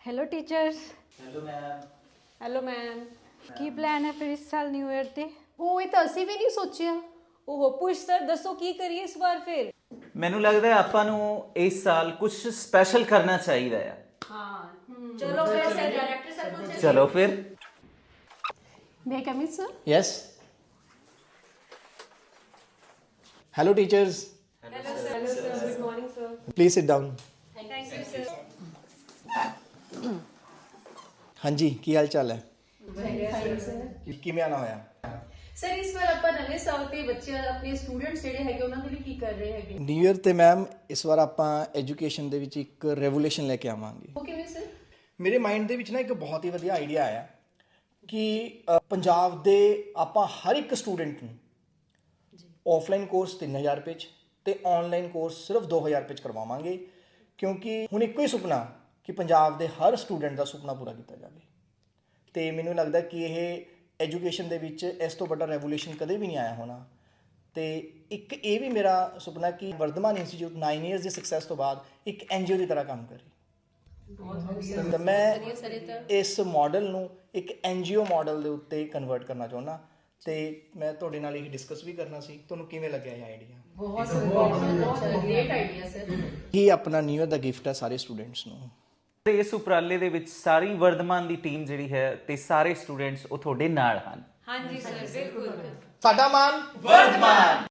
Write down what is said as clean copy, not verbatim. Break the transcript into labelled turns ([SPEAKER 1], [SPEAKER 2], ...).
[SPEAKER 1] Hello teachers.
[SPEAKER 2] Hello ma'am.
[SPEAKER 1] Hello ma'am. की plan है फिर इस साल न्यू ईयर ਤੇ?
[SPEAKER 3] ਉਹ ਇਹ ਤਾਂ ਅਸੀਂ ਵੀ ਨਹੀਂ ਸੋਚਿਆ।
[SPEAKER 1] ਉਹ ਪੁੱਛ ਸਰ ਦੱਸੋ ਕੀ ਕਰੀਏ ਇਸ ਵਾਰ ਫਿਰ?
[SPEAKER 2] ਮੈਨੂੰ ਲੱਗਦਾ ਹੈ ਆਪਾਂ ਨੂੰ ਇਸ ਸਾਲ ਕੁਝ ਸਪੈਸ਼ਲ ਕਰਨਾ ਚਾਹੀਦਾ ਹੈ।
[SPEAKER 1] ਚਲੋ ਫਿਰ ਸਰ डायरेक्टर सर को
[SPEAKER 2] ਚਲੋ ਫਿਰ।
[SPEAKER 3] ਮੈਂ coming sir.
[SPEAKER 4] Yes. Hello, teachers.
[SPEAKER 1] Hello sir good morning sir.
[SPEAKER 4] Please sit down.
[SPEAKER 1] Thank you sir.
[SPEAKER 4] ਹਾਂਜੀ ਕੀ ਹਾਲ ਚਾਲ ਹੈ? ਕਿਵੇਂ ਆਣਾ ਹੋਇਆ?
[SPEAKER 3] ਸਰ ਇਸ ਵਾਰ ਆਪਾਂ ਨਵੇਂ ਸਾਲ ਤੇ ਬੱਚੇ ਆਪਣੇ ਸਟੂਡੈਂਟਸ ਜਿਹੜੇ ਹੈਗੇ ਉਹਨਾਂ ਦੇ ਲਈ ਕੀ ਕਰ ਰਹੇ ਹੈਗੇ?
[SPEAKER 4] ਨਿਊ ਇਅਰ ਤੇ ਮੈਮ ਇਸ ਵਾਰ ਆਪਾਂ ਐਜੂਕੇਸ਼ਨ ਦੇ ਵਿੱਚ ਇੱਕ ਰੈਵੋਲੂਸ਼ਨ ਲੈ ਕੇ ਆਵਾਂਗੇ।
[SPEAKER 3] ਉਹ ਕਿਵੇਂ ਸਰ?
[SPEAKER 4] ਮੇਰੇ ਮਾਈਂਡ ਦੇ ਵਿੱਚ ਨਾ ਇੱਕ ਬਹੁਤ ਹੀ ਵਧੀਆ ਆਈਡੀਆ ਆਇਆ ਕਿ ਪੰਜਾਬ ਦੇ ਆਪਾਂ ਹਰ ਇੱਕ ਸਟੂਡੈਂਟ ਨੂੰ ਆਫਲਾਈਨ ਕੋਰਸ 3000 ਰੁਪਏ 'ਚ ਤੇ ਆਨਲਾਈਨ ਕੋਰਸ ਸਿਰਫ 2000 ਰੁਪਏ 'ਚ ਕਰਵਾਵਾਂਗੇ, ਕਿਉਂਕਿ ਹੁਣ ਇੱਕੋ ਹੀ ਸੁਪਨਾ ਕਿ ਪੰਜਾਬ ਦੇ ਹਰ ਸਟੂਡੈਂਟ ਦਾ ਸੁਪਨਾ ਪੂਰਾ ਕੀਤਾ ਜਾਵੇ। ਤੇ ਮੈਨੂੰ ਲੱਗਦਾ ਕਿ ਇਹ ਐਜੂਕੇਸ਼ਨ ਦੇ ਵਿੱਚ ਇਸ ਤੋਂ ਵੱਡਾ ਰੈਵੋਲੂਸ਼ਨ ਕਦੇ ਵੀ ਨਹੀਂ ਆਇਆ ਹੋਣਾ। ਤੇ ਇੱਕ ਇਹ ਵੀ ਮੇਰਾ ਸੁਪਨਾ ਕਿ ਵਰਧਮਾਨ ਇੰਸਟੀਚਿਊਟ 9 ਇਅਰਸ ਦੀ ਸਕਸੈਸ ਤੋਂ ਬਾਅਦ ਇੱਕ NGO ਦੀ ਤਰ੍ਹਾਂ ਕੰਮ ਕਰੇ। ਤਾਂ ਮੈਂ ਇਸ ਮਾਡਲ ਨੂੰ ਇੱਕ NGO ਮਾਡਲ ਦੇ ਉੱਤੇ ਕਨਵਰਟ ਕਰਨਾ ਚਾਹੁੰਦਾ ਤੇ ਮੈਂ ਤੁਹਾਡੇ ਨਾਲ ਇਹ ਡਿਸਕਸ ਵੀ ਕਰਨਾ ਸੀ। ਤੁਹਾਨੂੰ ਕਿਵੇਂ ਲੱਗਿਆ ਇਹ ਆਈਡੀਆ?
[SPEAKER 3] ਬਹੁਤ ਗ੍ਰੇਟ ਆਈਡੀਆ ਸਰ।
[SPEAKER 4] ਇਹ ਆਪਣਾ ਨਿਊ ਇਅਰ ਦਾ ਗਿਫਟ ਹੈ ਸਾਰੇ ਸਟੂਡੈਂਟਸ ਨੂੰ।
[SPEAKER 2] ਤੇ ਇਸ ਉਪਰਾਲੇ ਦੇ ਵਿੱਚ ਸਾਰੀ ਵਰਧਮਾਨ ਦੀ ਟੀਮ ਜਿਹੜੀ ਹੈ ਤੇ ਸਾਰੇ ਸਟੂਡੈਂਟਸ ਉਹ ਤੁਹਾਡੇ ਨਾਲ ਹਨ।
[SPEAKER 1] हाँ जी सर बिल्कुल।
[SPEAKER 4] ਸਾਡਾ ਮਾਨ ਵਰਧਮਾਨ।